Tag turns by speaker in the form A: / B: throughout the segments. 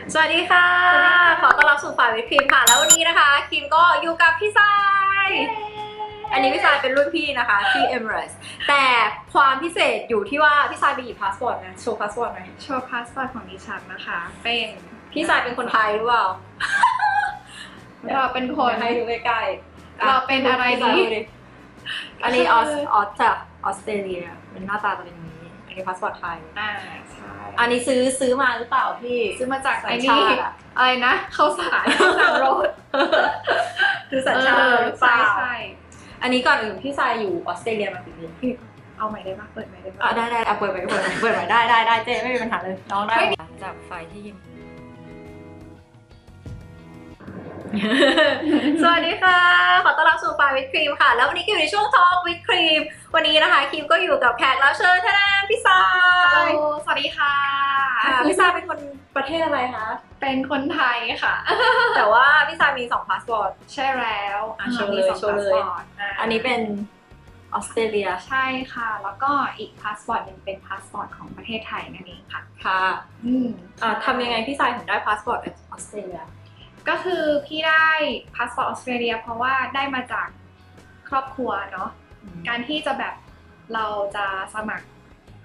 A: สวัสดีค่ะขอต้อนรับสู่ฝ่ายวิปครีมค่ะแล้ววันนี้นะคะครีมก็อยู่กับพี่ทรายอันนี้พี่ทรายเป็นรุ่นพี่นะคะที่เอมิเรตส์แต่ความพิเศษอยู่ที่ว่าพี่ทรายไปหยิบพาสปอร์ตนะโชว์พาสปอร์ตหน่อย
B: โชว์พาสปอร์ตของดิฉันนะคะเป็น
A: พี่ทรายเป็นคนไทยหรือเปล่า
B: เราเป็นคน
A: ให้ดูใกล้ๆ
B: เราเป็นอะไรดี
A: อันนี้ออสจากออสเตรเลียเป็นหน้าตาตัวอย่างนี้อันนี้พาสปอร์ตไทย
B: ใช่
A: อันนี้ซื้อมาหรือเปล่าพี่
B: ซื้อมาจากไอ้
A: นี่
B: อะไรนะข้าวสารโรด
A: คือสัญชาติหรือเปล่า
B: ใช่
A: อันนี้ก่อนอื่นพี่ทรายอยู่ออสเตรเลียมากี่ปี
B: เอาใหม่ได้ปะเปิดใหม่ได้ปะ
A: ได้เปิดใหม่ได้เจ๊ไม่มีปัญหาเลยน้องได้จากไฟที่ยิมสวัสดีค่ะขอต้อนรับสู่ไฟวิดครีมค่ะแล้ววันนี้อยู่ในช่วงทอล์กวิดครีมวันนี้นะคะครีมก็อยู่กับแขกรับเชิญท่านพี่ทราย
B: สวัสดีค่ะ
A: พี่ทรายเป็นคนประเทศอะไรคะ
B: เป็นคนไทยค่ะ
A: แต่ว่าพี่ทรายมี2พาสปอร์ต
B: ใช่แล้ว
A: โชว์เลยอันนี้เป็นออสเตรเลีย
B: ใช่ค่ะแล้วก็อีกพาสปอร์ตนึงเป็นพาสปอร์ตของประเทศไทยนั่นเองค่ะ
A: ค่ะทำยังไงพี่ทรายถึงได้พาสปอร์ตออสเตรเลีย
B: ก็คือพี่ได้พาสปอร์ตออสเตรเลียเพราะว่าได้มาจากครอบครัวเนาะการที่จะแบบเราจะสมัคร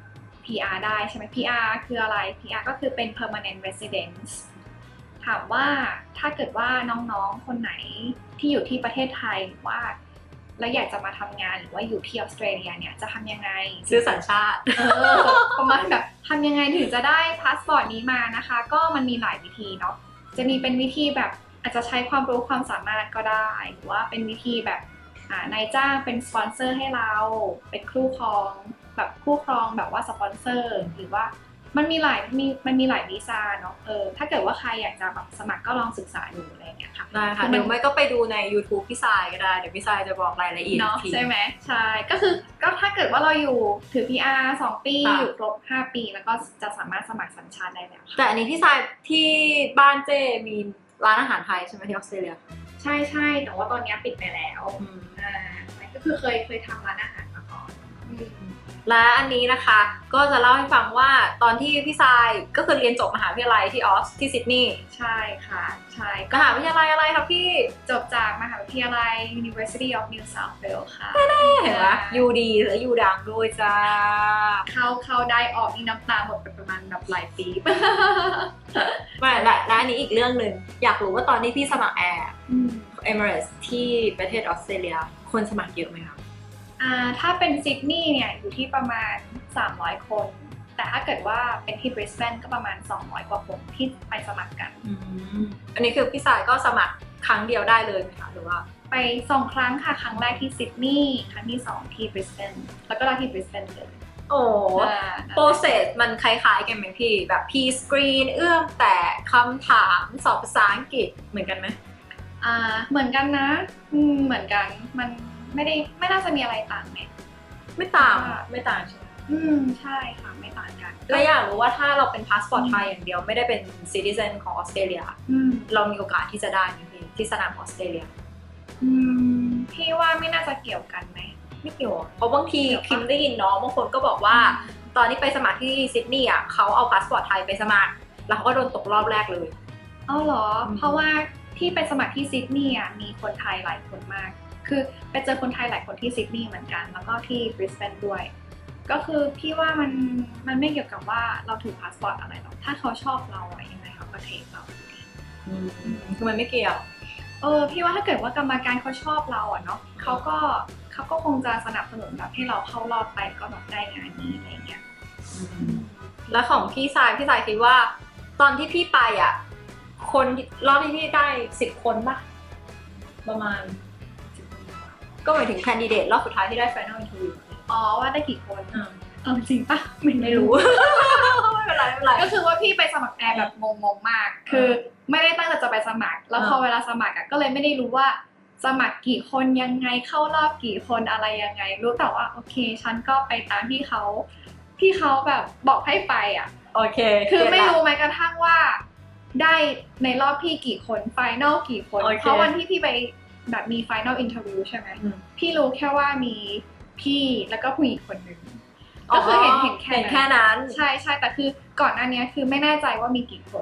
B: PR ได้ใช่ไหม PR คืออะไร PR ก็คือเป็น permanent residence ถามว่าถ้าเกิดว่าน้องๆคนไหนที่อยู่ที่ประเทศไทยว่าแล้วอยากจะมาทำงานหรือว่าอยู่ที่ออสเตรเลียเนี่ยจะทำยังไง
A: ซื้อสัญชาติ
B: ประมาณแบบทำยังไงถึงจะได้พาสปอร์ตนี้มานะคะก็มันมีหลายวิธีเนาะจะมีเป็นวิธีแบบอาจจะใช้ความรู้ความสามารถก็ได้หรือว่าเป็นวิธีแบบนายจ้างเป็นสปอนเซอร์ให้เราเป็นคู่ครองแบบว่าสปอนเซอร์หรือว่ามันมีหลายวีซ่าเนาะถ้าเกิดว่าใครอยากจะแบบสมัครก็ลองศึกษาดูอะไรอย่างเงี้ยค่ะ
A: ได้ค่ะเดี๋ยวไม่ก็ไปดูใน YouTube พี่ทรายก็ได้เดี๋ยวพี่ทรายจะบอกรายละเอียด
B: เนาะใช่ไหมใช่ก็ถ้าเกิดว่าเราอยู่ถือ PR 2 ปีอยู่ครบ5 ปีแล้วก็จะสามารถสมัครสัญชาติได้แล้ว
A: แต่อันนี้พี่ทรายที่บ้านเจ้มีร้านอาหารไทยใช่ไหมที่ออสเตรเลีย
B: ใช่แต่ว่าตอนนี้ปิดไปแล้วก็คือเคยทำร้านอาหารมาก่อน
A: และอันนี้นะคะก็จะเล่าให้ฟังว่าตอนที่พี่ทรายก็คือเรียนจบมหาวิทยาลัยที่ที่ซิดนีย์
B: ใช่ค่ะใช่
A: มหาวิทยาลัยอะไรครับพี่
B: จบจากมหาวิทยาลัย University of New South Wales ค่ะ
A: เห็นไหมยูดีและยูดังด้วยจ้า
B: เข้าได้ออกนี่น้ำตาหมดไปประมาณแบบหลายปี
A: ไม่และอันนี้อีกเรื่องหนึ่งอยากรู้ว่าตอนที่พี่สมัครแอร์เอมิเรตส์ที่ประเทศออสเตรเลียคนสมัครเยอะไหมคะ
B: ถ้าเป็นซิดนีย์เนี่ยอยู่ที่ประมาณ300 คนแต่ถ้าเกิดว่าเป็นที่บริสเบนก็ประมาณ200 กว่าคนที่ไปสมัครกัน
A: อันนี้คือพี่สายก็สมัครครั้งเดียวได้เลยไหมคะหรือว่า
B: ไป2 ครั้งค่ะครั้งแรกที่ซิดนีย์ครั้งที่2ที่บริสเบนแล้วก็ได้ที่บริสเบนเลย
A: โอ้โปรเซสมันคล้ายๆกันไหมพี่แบบพีสกรีนเอื้อมแต่คำถามสอบภาษาอังกฤษเหมือนกันไหม
B: เหมือนกันนะเหมือนกันมันไม่น่าจะมีอะไรต่างไหม
A: ไม่ต่างใช่ไหม
B: ใช่ค่ะไม่ต่างกัน
A: แล้วอยากรู้ว่าถ้าเราเป็นพาสปอร์ตไทยอย่างเดียวไม่ได้เป็นซิติเซนของออสเตรเลียเรามีโอกาสที่จะได้ไหมพี่ที่สนามออสเตรเลีย
B: พี่ว่าไม่น่าจะเกี่ยวกันไหม
A: ไม่เกี่ยวเพราะบางทีคิมได้ยินน้องบางคนก็บอกว่าตอนที่ไปสมัครที่ซิดนีย์เขาเอาพาสปอร์ตไทยไปสมัครแล้วเขาก็โดนตกรอบแรกเลย
B: เหรอเพราะว่าที่ไปสมัครที่ซิดนีย์มีคนไทยหลายคนมากคือไปเจอคนไทยหลายคนที่ซิดนีย์เหมือนกันแล้วก็ที่บริสเบนด้วยก็คือพี่ว่ามันไม่เกี่ยวกับว่าเราถือพาสปอร์ตอะไรหรอกถ้าเขาชอบเรายังไงเขาก็เทคเรา
A: คือมันไม่เกี่ยว
B: พี่ว่าถ้าเกิดว่ากรรมการเขาชอบเราเนาะเขาก็คงจะสนับสนุนแบบให้เราเข้ารอบไปก็แบบได้งานนี้อะไรเงี้ย
A: แล้วของพี่สายคิดว่าตอนที่พี่ไปคนรอบที่พี่ได้10 คนป่ะประมาณก็หมายถึงแคนดิเดตรอบสุดท้ายที่ได้ Final Interview
B: ว่าได้กี่คนจริงปะไม่รู้
A: ไม่เป็นไร
B: ก็คือว่าพี่ไปสมัครแอร์แบบงงมากคือไม่ได้ตั้งใจจะไปสมัครแล้วพอเวลาสมัครก็เลยไม่ได้รู้ว่าสมัครกี่คนยังไงเข้ารอบกี่คนอะไรยังไงรู้แต่ว่าโอเคฉันก็ไปตามที่เขาแบบบอกให้ไป
A: โอเค
B: คือไม่รู้แม้กระทั่งว่าได้ในรอบพี่กี่คนไฟนอลกี่คนเพราะวันที่พี่ไปแบบมี final interview ใช่ไหมพี่รู้แค่ว่ามีพี่แล้วก็ผู้หญิงคนหนึ่งก็คือเห็นแค่นั้นใช่แต่คือก่อนหน้านี้คือไม่แน่ใจว่ามีกี่คน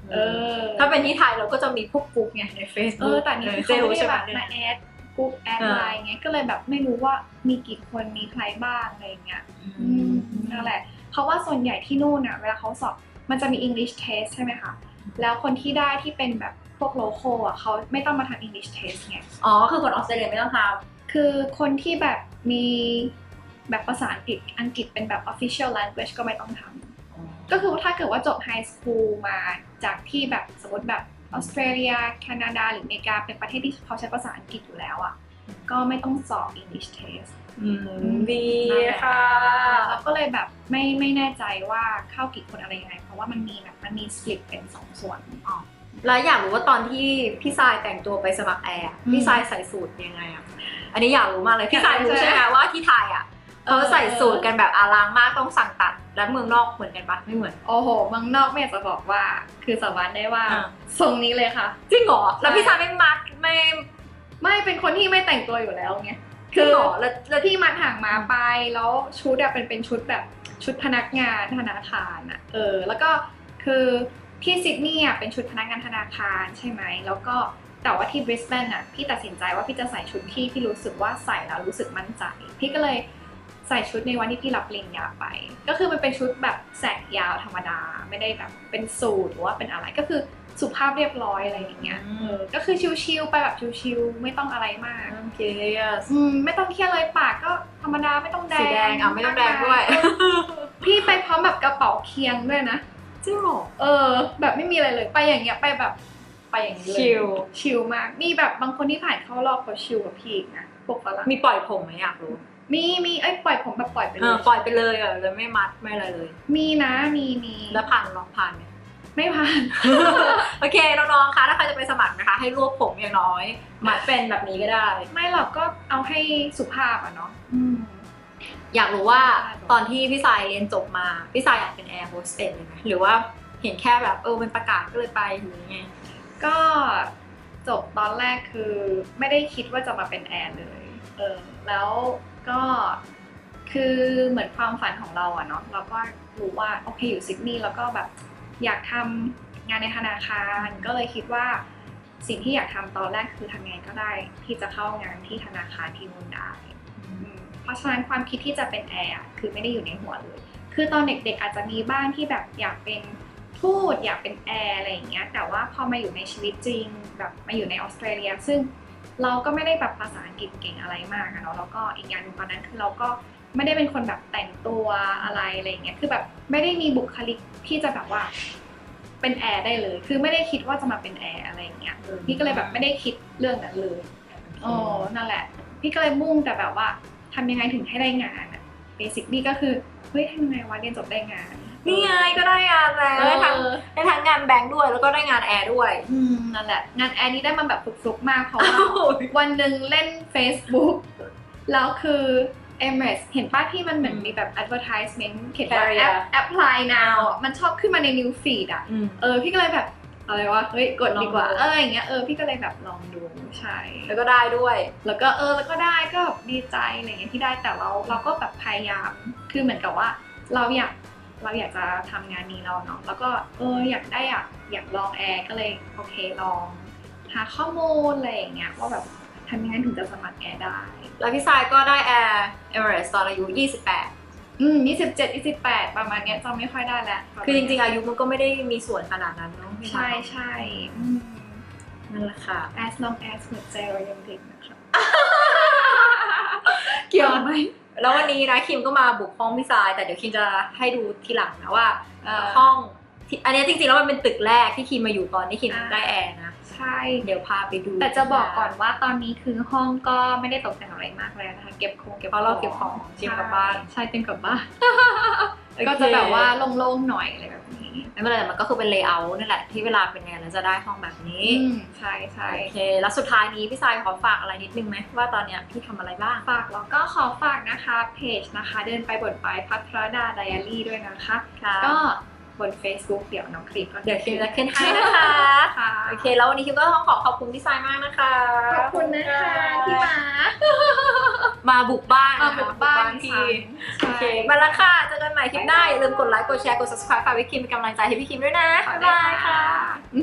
B: เออ
A: ถ้าเป็นที่ไทยเราก็จะมีพวกกลุ่มไงใน Facebook
B: แต่นี่เขาไม่ได้แบบมาแอดกรุ๊ปแอดไลน์ไงก็เลยแบบไม่รู้ว่ามีกี่คนมีใครบ้างอะไรเงี้ยนั่นแหละเพราะว่าส่วนใหญ่ที่นู่นอ่ะเวลาเขาสอบมันจะมี English test ใช่ไหมคะแล้วคนที่ได้ที่เป็นแบบพวก local อ่ะเขาไม่ต้องมาทำ English test ไง
A: อ๋อคือคนออสเตรเลียไม่ต้องทำ
B: คือคนที่แบบมีแบบภาษาอังกฤษเป็นแบบ official language ก็ไม่ต้องทำก็คือถ้าเกิดว่าจบ high school มาจากที่แบบสมมติแบบออสเตรเลียแคนาดาหรืออเมริกาเป็นประเทศที่เขาใช้ภาษาอังกฤษอยู่แล้วอ่ะก็ไม่ต้องสอบ English test
A: ดีค่ะ
B: แล้วก็เลยแบบไม่แน่ใจว่าเข้ากี่คนอะไรยังไงเพราะว่ามันมีสปลิตเป็น2 ส่วน
A: แล้วอยากรู้ว่าตอนที่พี่ทรายแต่งตัวไปสมัครแอร์พี่ทรายใส่สูทยังไงอ่ะอันนี้อยากรู้มากเลยพี่ทรายรู้ใช่ไหมว่าที่ไทยอ่ะเขาใส่สูทกันแบบอลังมากต้องสั่งตัดแล้วเมืองนอกเหมือนกันปะไม่เหมือน
B: โอ้โหเมืองนอกไม่อยากจะบอกว่าคือสาบานได้ว่าทรงนี้เลยค่ะ
A: จริงเหรอแล้วพี่ทรายไม่มัด
B: ไม่เป็นคนที่ไม่แต่งตัวอยู่แล้วไง
A: คือแล้ว
B: ที่มัดห่างมาไปแล้วชุดอะเป็นชุดแบบชุดพนักงานธนาคารอะแล้วก็คือที่ซิดนีย์อะเป็นชุดพนักงานธนาคารใช่ไหมแล้วก็แต่ว่าที่บริสเบนอะพี่ตัดสินใจว่าพี่จะใส่ชุดที่พี่รู้สึกว่าใส่แล้วรู้สึกมั่นใจพี่ก็เลยใส่ชุดในวันที่พี่รับปริญญาไปก็คือมันเป็นชุดแบบแสกยาวธรรมดาไม่ได้แบบเป็นสูทหรือว่าเป็นอะไรก็คือสุภาพเรียบร้อยอะไรอย่างเงี้ยก็คือชิลๆไปแบบชิลๆไม่ต้องอะไรมาก
A: โอเค
B: ไม่ต้องเครียดเลยปากก็ธรรมดาไม่ต้องแดง
A: สีแดงไม่ต้องแดงด้วย
B: พี่ไปพร้อมแบบกระเป๋าเคียงด้วยนะ
A: จริงเหรอ
B: แบบไม่มีอะไรเลยไปอย่างเงี้ยไปแบบไปอย่างนี้เลยชิลมากมีแบบบางคนที่ผ่านเข้ารอบเขาชิลกับพี่นะพวกฝรั่ง
A: มีปล่อยผมไหมอยากรู้
B: มีปล่อยผมแบบปล่อยไปเลย
A: ปล่อยไปเลยเลยไม่มัดไม่อะไรเลย
B: มีนะมี
A: แล้วลองผ่านไหม
B: ไม่ผ่าน
A: โอเคน้องๆคะถ้าใครจะไปสมัครนะคะให้รวบผมอย่างน้อยมัดเป็นแบบนี้ก็ได้
B: ไม่หรอกก็เอาให้สุภาพอ่ะเนาะ
A: อยากรู้ว่าตอนที่พี่สายเรียนจบมาพี่สายอยากเป็นแอร์โฮสเตสเลยไหมหรือว่าเห็นแค่แบบมันประกาศก็เลยไปหรือไง
B: ก็จบตอนแรกคือไม่ได้คิดว่าจะมาเป็นแอร์เลยแล้วก็คือเหมือนความฝันของเราอะเนาะเราก็รู้ว่าโอเคอยู่ซิดนีย์แล้วก็แบบอยากทำงานในธนาคารก็เลยคิดว่าสิ่งที่อยากทำตอนแรกคือทำไงก็ได้ที่จะเข้างานที่ธนาคารที่นู่นได้เพราะฉะนั้นความคิดที่จะเป็นแอร์คือไม่ได้อยู่ในหัวเลยคือตอนเด็กๆอาจจะมีบ้างที่แบบอยากเป็นทูตอยากเป็นแอร์อะไรอย่างเงี้ยแต่ว่าพอมาอยู่ในชีวิตจริงแบบมาอยู่ในออสเตรเลียซึ่งเราก็ไม่ได้แบบภาษาอังกฤษเก่งอะไรมากเนาะแล้วก็อีกอย่างนึงตอนนั้นคือเราก็ไม่ได้เป็นคนแบบแต่งตัวอะไรอย่างเงี้ยคือแบบไม่ได้มีบุคลิกที่จะแบบว่าเป็นแอร์ได้เลยคือไม่ได้คิดว่าจะมาเป็นแอร์อะไรอย่างเงี้ยพี่ก็เลยแบบไม่ได้คิดเรื่องนั้นเลยนั่นแหละพี่ก็เลยมุ่งแต่แบบว่าทำยังไงถึงให้ได้งานอะเบสิกนี่ก็คือเฮ้ยทำยังไงวะเรียนจบได้งาน
A: นี่ไงก็ได้งานแล้วได้ทั้งงานแบงค์ด้วยแล้วก็ได้งานแอร์ด้วย
B: นั่นแหละงานแอร์นี้ได้มาแบบฟลุกๆมากเพราะว่าวันหนึ่งเล่น Facebook แล้วคือEmirates เห็นป้าที่มันเหมือนมีแบบ advertisement เขียนว่า apply now มันชอบขึ้นมาใน new feed อ่ะพี่ก็เลยแบบอะไรวะเฮ้ยกดดีกว่าอย่างเงี้ยพี่ก็เลยแบบลองดูใช่
A: แล้วก็ได้ด้วย
B: แล้วก็แล้วก็ได้ก็ดีใจอะไรเงี้ยที่ได้แต่เราก็แบบพยายามคือเหมือนกับว่าเราอยากจะทำงานนี้เราเนาะแล้วก็อยากลองแอร์ก็เลยโอเคลองหาข้อมูลอะไรอย่างเงี้ยว่าแบบทำยังไงถึงจะสมัครแอร์ได้
A: แล้วพี่ทรายก็ได้แอร์เอมิเรตส์ตอนอายุ28
B: 27 28ประมาณเนี้ยจำไม่ค่อยได้แล้ว
A: คือจริงๆอายุมันก็ไม่ได้มีส่วนขนาดนั้นเนาะ
B: ใช่
A: นั่นแหละค่ะ
B: as long as หัวใจเรายังเด็กนะคะเกี่ยวไหม
A: แล้ววันนี้นะคิมก็มาบุกห้องพี่ทรายแต่เดี๋ยวคิมจะให้ดูทีหลังนะว่าห้องอันนี้จริงๆแล้วมันเป็นตึกแรกที่คิมมาอยู่ตอนที่คิมได้แอร์นะ
B: ใช่
A: เดี๋ยวพาไปดู
B: แต่จะบอกก่อนว่าตอนนี้คือห้องก็ไม่ได้ตกแต่งอะไรมากแล้วนะคะเก็บของ
A: เพราะเราเก็บของเตรียมกลับบ้าน
B: ใช่เตรียมกลับบ้านก็จะแบบว่าโล่งๆหน่อยอะไรแบบนี้
A: ไม่เป็นไรมันก็คือเป็นเลเยอร์นั่นแหละที่เวลาเป็นงานแล้วจะได้ห้องแบบนี้
B: ใช่
A: โอเคแล้วสุดท้ายนี้พี่ทรายขอฝากอะไรนิดนึงไหมว่าตอนเนี้ยพี่ทำอะไรบ้าง
B: ฝากแล้วก็ขอฝากนะคะเพจนะคะเดินไปบทไปภัทรดาไดอารี่ด้วยนะคะก็บน Facebook เดี๋ยวน้องคลิป
A: เดี๋ยวคิมจะขึ้นให้นะคะโอเคแล้ววันนี้คิมก็ต้องขอบคุณพี่ทรายมากนะคะ
B: ขอบคุณนะคะที่มา
A: มาบุกบ้าน
B: มา
A: นะคะ
B: บุกบ้าน
A: พี่
B: ใช่
A: โอเคมาแล้วค่ะเจอกันใหม่คลิปหน้าอย่าลืมกดไลค์กดแชร์กด subscribe ฝากพี่คิมเป็นกำลังใจให้พี่คิมด้วยนะบ๊ายบายค่ะ